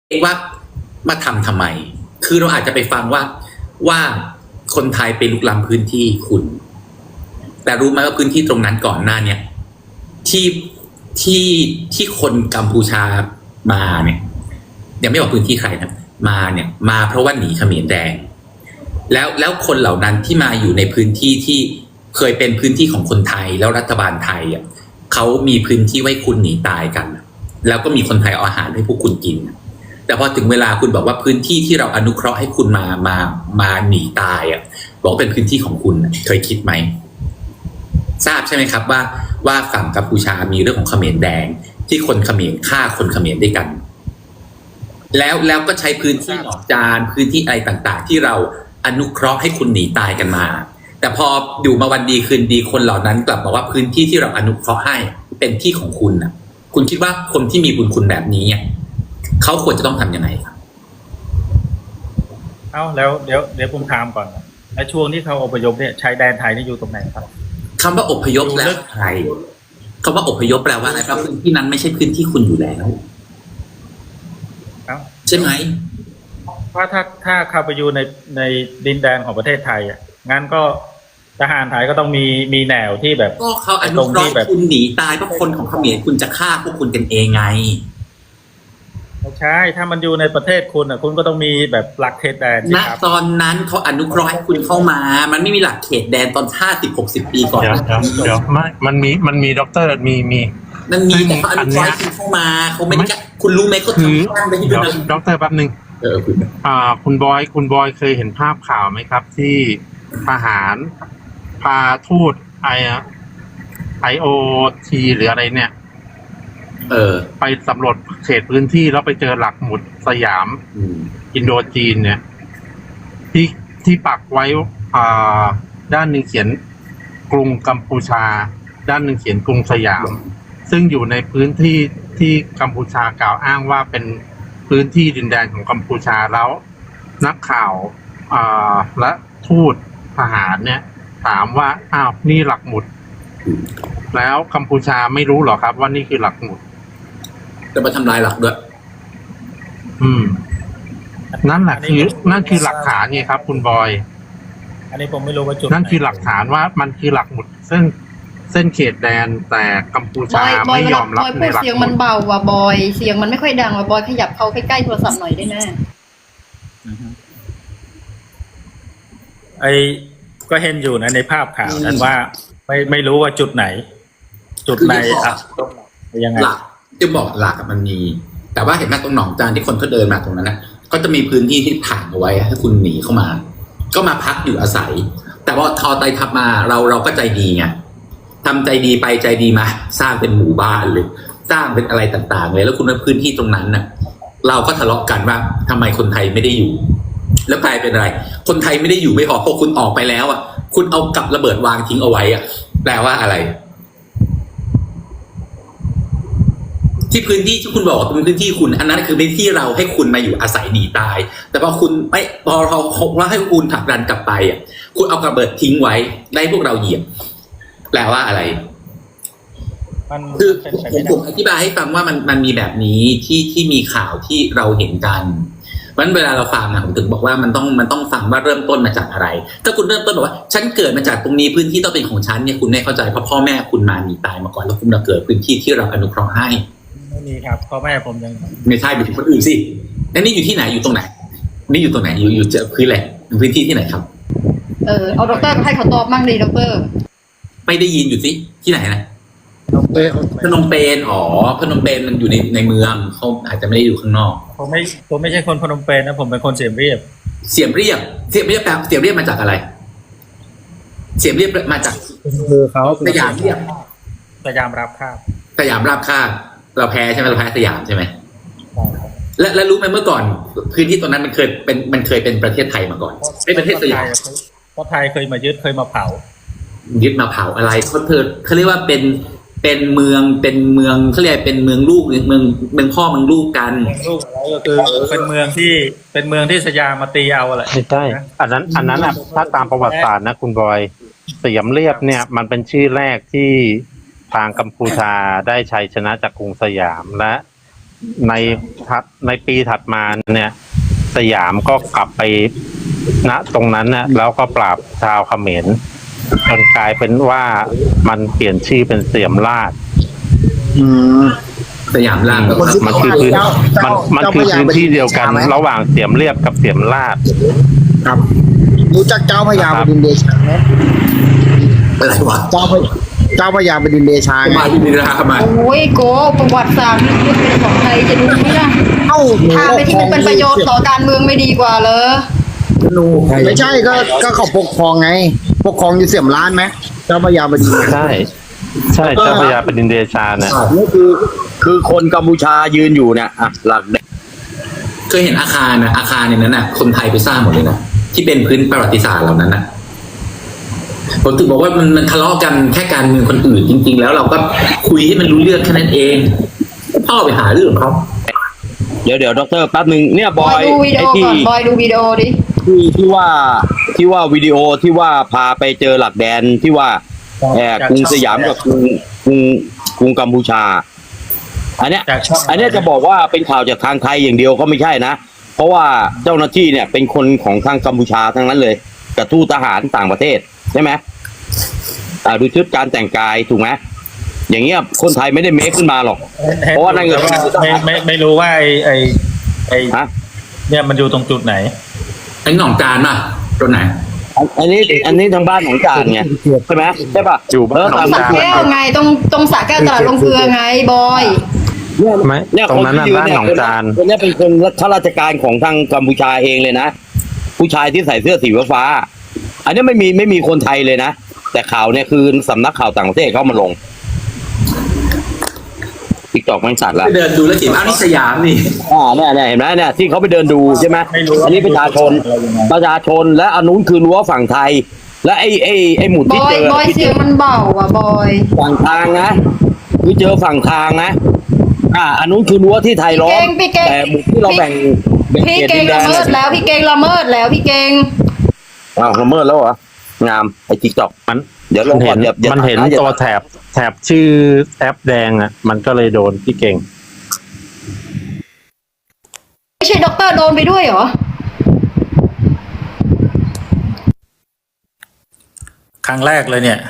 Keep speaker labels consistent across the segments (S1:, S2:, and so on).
S1: ว่ามาทำไมคือเราอาจจะไปฟังว่าคนไทยไปลุกล้ำพื้นที่คุณ แต่รู้ไหมว่าพื้นที่ตรงนั้นก่อนหน้าเนี่ยที่คนกัมพูชามาเนี่ยยังไม่บอกพื้นที่ใครนะมาเพราะว่าหนีเขมรแดงแล้วคนเหล่านั้นที่มาอยู่ในพื้นที่ที่เคยเป็นพื้นที่ของคนไทยแล้วรัฐบาลไทยเขามีพื้นที่ไว้คุณหนีตายกันแล้วก็มีคนไทยเอาอาหารให้พวกคุณกินแต่พอถึงเวลาคุณบอกว่าพื้นที่ที่เราอนุเคราะห์ให้คุณมาหนีตายบอกเป็นพื้นที่ของคุณเคยคิดไหมทราบใช่ไหมครับว่าฝั่งกัมพูชามีเรื่องของเขมรแดงที่คนเขมรฆ่าคนเขมรด้วยกันแล้วก็ใช้พื้นที่หนองจานพื้นที่อะไรต่างๆที่เราอนุเคราะห์ให้คุณหนีตายกันมาแต่พออยู่มาวันดีคืนดีคนเหล่านั้นกลับบอกว่าพื้นที่ที่เราอนุเคราะห์ให้เป็นที่ของคุณคุณคิดว่าคนที่มีบุญคุณแบบนี้เขาควรจะต้องทำยังไงครับ
S2: แล้วเดี๋ยวผมถามก่อนในช่วงที่เขาอพยพเนี่ยชายแดนไทยนี่อยู่ตรงไหนครับ
S1: คำว่าอพยพแล้วไทยคำว่าอพยพแปลว่าอะไรครับพื้นที่นั้นไม่ใช่พื้นที่คุณอยู่แล้วใช่ไหม
S2: ว่าถ้าเข้าไปอยู่ในดินแดนของประเทศไทยงั้นก็ทหารไทยก็ต้องมีแนวที่แบบ
S1: ก็เขาอนุเคราะห์คุณหนีตายเพราะคนของเขมรคุณจะฆ่าพวกคุณกันเองไง
S2: ไม่ใช่ถ้ามันอยู่ในประเทศคุณคุณก็ต้องมีแบบหลักเขตแดน
S1: ณตอนนั้นเขาอนุเคราะห์ให้คุณเข้ามามันไม่มีหลักเขตแดนตอน50-60 ปีก่อน
S3: เดี๋ยวมันมีด็อกเตอร์มี
S1: มันมีแต่เขาอนุเคราะห์ให้คุณเข้ามาเขาไม่ได้คุณรู้ไหมเขาทำการไปที่นั่น
S3: ด็อกเตอร์แป๊บนึงคุณบอยเคยเห็นภาพข่าวไหมครับที่ทหารพาทูตIOT หรืออะไรเนี่ยไปสำรวจเขตพื้นที่แล้วไปเจอหลักหมุดสยามอินโดจีนเนี่ยที่ปักไว้ด้านหนึ่งเขียนกรุงกัมพูชาด้านหนึ่งเขียนกรุงสยามซึ่งอยู่ในพื้นที่ที่กัมพูชากล่าวอ้างว่าเป็นพื้นที่ดินแดนของกัมพูชาแล้วนักข่าวและทูตทหารเนี่ยถามว่านี่หลักหมุดแล้วกัมพูชาไม่รู้หรอครับว่านี่คือหลักหมุด
S1: จะมาทำลายหลักด้วย
S3: นั่นคือหลักฐานไงครับคุณบอย
S2: อันนี้ผมไม่รู้ว่าจุด
S3: นั่นคือหลักฐานว่ามันคือหลักหมุดเส้นเขตแดนแต่กัมพูชาไม่ยอมรับในหลักหมุด
S4: เสียงมันเบาว่ะบอยเสียงมันไม่ค่อยดังว่ะบอยขยับเข้าใกล้ๆโทรศัพท์หน่อยได้ไหม
S2: ก็เห็นอยู่นะในภาพข่าวนั้นว่าไม่รู้ว่าจุดไหนยังไง
S1: หลักจะบอกหลักมันมีแต่ว่าเห็นไหมตรงหนองจานที่คนเขาเดินมาตรงนั้นนะก็จะมีพื้นที่ที่ถ่างเอาไว้ให้คุณหนีเข้ามาก็มาพักอยู่อาศัยแต่ว่าทอไตทับมาเราก็ใจดีไงทำใจดีไปใจดีมาสร้างเป็นหมู่บ้านเลยสร้างเป็นอะไรต่างๆเลยแล้วคุณในพื้นที่ตรงนั้นน่ะเราก็ทะเลาะกันว่าทำไมคนไทยไม่ได้อยู่แล้วกลายเป็นอะไรคนไทยไม่ได้อยู่ไม่พอพอคุณออกไปแล้วคุณเอากับระเบิดวางทิ้งเอาไว้แปลว่าอะไรที่พื้นที่ที่คุณบอกว่าเป็นพื้นที่คุณอันนั้นคือเป็นที่เราให้คุณมาอยู่อาศัยหนีตายแต่พอคุณไม่พอเราให้คุณผลักดันกลับไปคุณเอากระเบิดทิ้งไว้ได้พวกเราเหยียบแปลว่าอะไรคือผมอธิบายให้ฟังว่ามันมีแบบนี้ที่มีข่าวที่เราเห็นกันเพราะฉะนั้นเวลาเราฟังผมถึงบอกว่ามันต้องฟังว่าเริ่มต้นมาจากอะไรถ้าคุณเริ่มต้นบอกว่าฉันเกิดมาจากตรงนี้พื้นที่ต้องเป็นของฉันเนี่ยคุณไม่เข้าใจเพราะพ่อแม่คุณมาหนีตายมาก่อนแล้วคุณมาเกิดพื้นที่ที่เราอนุเคราะห์ให้
S2: ไม่มีครับพ่อแม่ผมยัง
S1: ไม่ใช่อยู่ที่คนอื่นสิแล้วนี่อยู่ที่ไหนอยู่ตรงไหนนี่อยู่ตรงไหนอยู่เจอพื้นแหละพื้นที่ที่ไหนครับ
S4: เอาด็อกเตอร์ให้เขาตอบมั่งดีด็อกเตอร์
S1: ไม่ได้ยินอยู่สิที่ไหนนะพนมเปญพนมเปญมันอยู่ในเมืองเขาอาจจะไม่ได้อยู่ข้างนอก
S2: ผมไม่ใช่คนพนมเปญนะผมเป็นคนเสียมเรียบ
S1: แปลเสียมเรียบมาจากอะไรเสียมเรียบมาจาก
S2: เขา
S1: สยามเรียบ
S2: สยามรับคาบ
S1: สยามราบคาบเราแพ้ใช่ไหมเราแพ้สยามใช่ไหมและรู้ไหมเมื่อก่อนพื้นที่ตรงนั้นมันเคยเป็นประเทศไทยมาก่อนเป็นประเทศสยาม
S2: เพราะไทยเคยมายึดเคยมาเผา
S1: ยึดมาเผาอะไรเขาเรียกว่าเป็นเมืองเขาเรียกเป็นเมืองลูกเมืองพ่อเมืองลูกกัน
S2: ลูกอะไรก็คือเป็นเมืองที่สยามมาตีเอาอะไร
S3: ไม่ใช่อันนั้นถ้าตามประวัติศาสตร์นะคุณบอยสยามเรียบเนี่ยมันเป็นชื่อแรกที่ทางกัมพูชาได้ชัยชนะจากกรุงสยามและในปีถัดมาเนี่ย สยามก็กลับไปณตรงนั้นนะแล้วก็ปราบชาวเขมรจนกลายเป็นว่ามันเปลี่ยนชื่อเป็นเสียมราช
S1: สยามล่างก็
S3: มันคือพื้นมันคือพื้นที่เดียวกันระหว่างเสียมเรียบกับเสียมราช
S5: ครับรู้จักเจ้าพญาบดินทร์เดชาไหม
S1: อะไรวะ
S5: เจ้าพญาบดินทร์เดชาไง
S1: มาที่นี่นะครับมา
S4: โอ้ยโกประวัติศาสตร์นี่คือเป็นของไทยจะดูไหมล่ะ
S5: เอ้า
S4: พาไปที่มันเป็นประโยชน์ต่อการเมืองไม่ดีกว่าเลย
S5: ไม่ใช่ก็เขาปกครองไง ปกครองอยู่เสียมล้านไหมเจ้าพญาบดินทร์
S3: ใช่เจ้าพญาปดินเดชาเนี่ย
S6: นี่คือคนกัมพูชายืนอยู่เนี่ยอ่ะหลัก
S1: เคยเห็นอาคารนะอาคารในนั้นน่ะคนไทยไปสร้างหมดเลยนะที่เป็นพื้นประวัติศาสตร์เหล่านั้นน่ะผมถึงบอกว่ามันทะเลาะกันแค่การเมืองคนอื่นจริง ๆ แล้วเราก็คุยให้มันรู้เรื่องแค่นั้นเองพ่อไปหาเรื่องเขา
S6: เดี๋ยวดรแป๊บนึงเนี่ยบบ อ
S4: อย
S6: ย
S4: ดูวิดี
S6: ไอ้
S4: โอ
S6: ที่
S4: ก่อนบอยดูวิดีโอดิ
S6: ที่ว่าวิดีโอที่ว่าพาไปเจอหลักแดนที่ว่ากรุงสยามกับกรุงกัมพูชา อันเนี้ยจะบอกว่าเป็นข่าวจากทางไทยอย่างเดียวก็ไม่ใช่นะเพราะว่าเจ้าหน้าที่เนี่ยเป็นคนของทางกัมพูชาทั้งนั้นเลยกับทูตทหารต่างประเทศใช่ไหมดูชุดการแต่งกายถูกไหมอย่างเงี้ยคนไทยไม่ได้เมคขึ้นมาหรอก เพราะว่านั่นก็
S2: ไม่รู้ว่าไอ้
S6: ฮะ
S2: เนี่ยมันอยู่ตรงจุดไหน
S1: ไอ้หน่องจานป่ะตรงไหน
S6: อันนี้ทางบ้านของจานไงใช่ไหมใช่ป่ะ
S3: อยู่บ้าน
S4: ตรงสระแก้วไงตรงสระแก้วตลาดลงเกลือไงบอย
S3: ไม่ตรงนั้นน่ะบ้านหนองจาน
S6: คนนี้เป็นคนข้าราชการของทางกัมพูชาเองเลยนะผู้ชายที่ใส่เสื้อสีฟ้าอันนี้ไม่มีคนไทยเลยนะแต่ข่าวเนี่ยคือสำนักข่าวต่างประเทศเขามาลงติ๊กตอกมันสัตว์ละ
S1: ไปเดินดูแล้วเห็นอ้าวนี่สยามนี่
S6: เนี่ยเห็นไหมเนี่ยที่เขาไปเดินดูใช่ไหม
S2: ไม่รู้
S6: อันนี้ประชาชนและอันนู้นคือรั้วฝั่งไทย และไอ้หมุด
S4: บ
S6: ที่
S4: อย
S6: เจอบ
S4: อยเสียงมันเบาอ่ะบอย
S6: ฝั่งทางนะคือเจอฝั่งทางนะอันนู้นคือรั้วที่ไทยล้อม
S4: พี่เก่ง
S6: แต่หมุดที่เราแบ่ง
S4: พี่
S6: ขต
S4: เก่
S6: ดิ
S4: ง
S6: นแด
S4: ละ
S6: น
S4: เมิดแล้วพี่เก่งละเมิดแล้วพี่เก่ง
S6: อ้าวละเมิดแล้วเหรองามไอ้ติ๊กตอก
S3: มัน
S6: เดี๋ยวลงก่อนอย่า
S3: มันเห็น
S6: อย่า
S3: ตัวแถบชื่อแอปแดงอ่ะมันก็เลยโดนพี่เก่ง
S4: ไม่ใช่ด็อกเตอร์โดนไปด้วยเหรอ
S2: ครั้งแรกเลยเนี่ย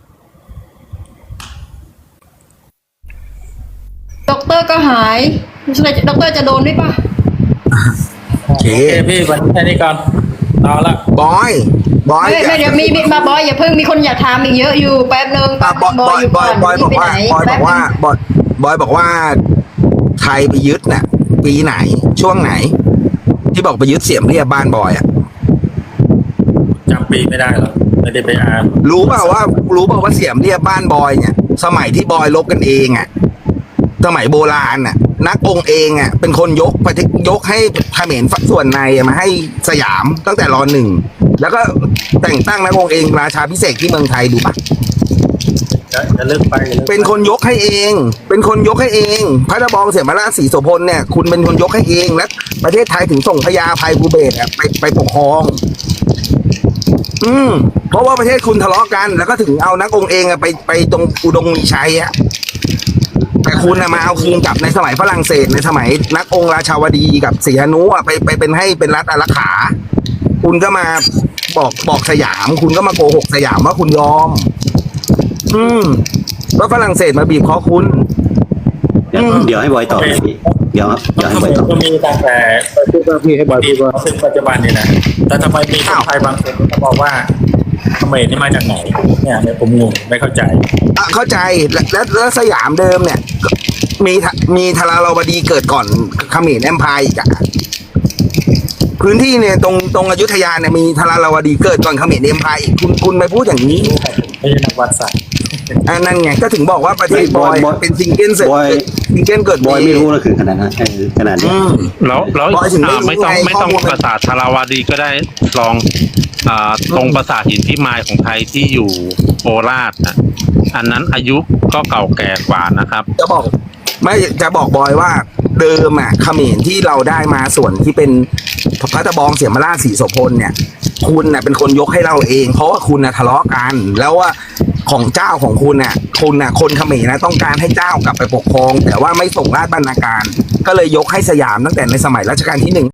S4: ด็อกเตอร์ก็หายด็อกเตอร์จะโดนด้วยป่ะ
S5: โอเค
S2: โอเคพี่วันนี้แค่นี้ก่อนเอาละ
S5: บอย
S4: ไม่เดี๋ยวมีมาบอยอย่าเพิ่งมีคนอยากถามอีกเยอะอยู่แป๊บนึง
S5: บอยบอกว่าบอยบอกว่าไทยไปยึดน่ะปีไหนช่วงไหน ที่บอกไปยึดเสียมเรียบบ้านบอยอ่ะ
S2: จำปีไม่ได้หรอกไม่ได้ไปอ่าน
S5: รู้เปล่าว่าเสียมเรียบบ้านบอยเนี่ยสมัยที่บอยลบกันเองอ่ะสมัยโบราณน่ะนักองค์เองอ่ะเป็นคนยกให้เขมรส่วนในมาให้สยามตั้งแต่ร.1แล้วก็แต่งตั้งนักองค์เองราชาพิเศษกที่เมืองไทยดูปะ
S2: จะเลิกไปอย่าเลิกไป
S5: เป็นคนยกให้เอง พระตะบองเสียมราชสีโสพลเนี่ยคุณเป็นคนยกให้เองและประเทศไทยถึงส่งพญาภัยภูเบศรอะไปปกครอง เพราะว่าประเทศคุณทะเลาะกัน แล้วก็ถึงเอานักองค์เองอะไปตรงอุดมมีชัยอะแต่คุณอะมาเอาคืนกลับในสมัยฝรั่งเศสในสมัยนักองค์ราชาวดีกับศรีหนุอะไปเป็นให้เป็นรัฐอารักขา คุณก็มาบอกสยาม คุณก็มาโกหกสยามว่าคุณยอม ว่าฝรั่งเศสมาบีบคอคุณ
S7: เดี๋ยวให้บอยตอบเลยพี่เดี๋ยวให้บอยตอบ
S2: ก็มีตั้งแต่
S5: พี่ให้บอยพูดว่า
S2: ถึงปัจจุบันนี่นะแต่ทำไมมีคนไทยบางคนก็บอกว่าเขมรนี่มาจากไหนเนี่ยผมงงไม่เข้าใจ
S5: เข้าใจแล้วสยามเดิมเนี่ยมีทาราวดีเกิดก่อนเขมรแอมไพร์อีกอะพื้นที่เนี่ยตรงอยุธยาเนี่ยมีทาราวดีเกิดก่อนเขมรแอมไพร์อีกคุณไปพูดอย่างนี้
S2: ไม่ใช่นักวัดศาสตร์
S5: นั่นไงก็ถึงบอกว่าประเทศบอยเป็นซิงเกิลเกิด
S7: บอยไม่รู้นะคือขนาดนั้นขนาดนี้
S3: แล้วไม่ต้องปราสาทธาราวดีก็ได้ลองตรงปราสาทหินพิมายของไทยที่อยู่โคราชนะอันนั้นอายุก็เก่าแก่กว่านะครับ
S5: จะบอกบอยว่าเดิมอะเขมรที่เราได้มาส่วนที่เป็นพระตะบองเสียมราชสีโสพลเนี่ยคุณน่ะเป็นคนยกให้เราเองเพราะว่าคุณน่ะทะเลาะกันแล้วว่าของเจ้าของคุณน่ะทนน่ะคนเขมรนะต้องการให้เจ้ากลับไปปกครอง แต่ว่าไม่ส่งราชบรรณาการ ก็เลยยกให้สยามตั้งแต่ในสมัยรัชกาลที่ 1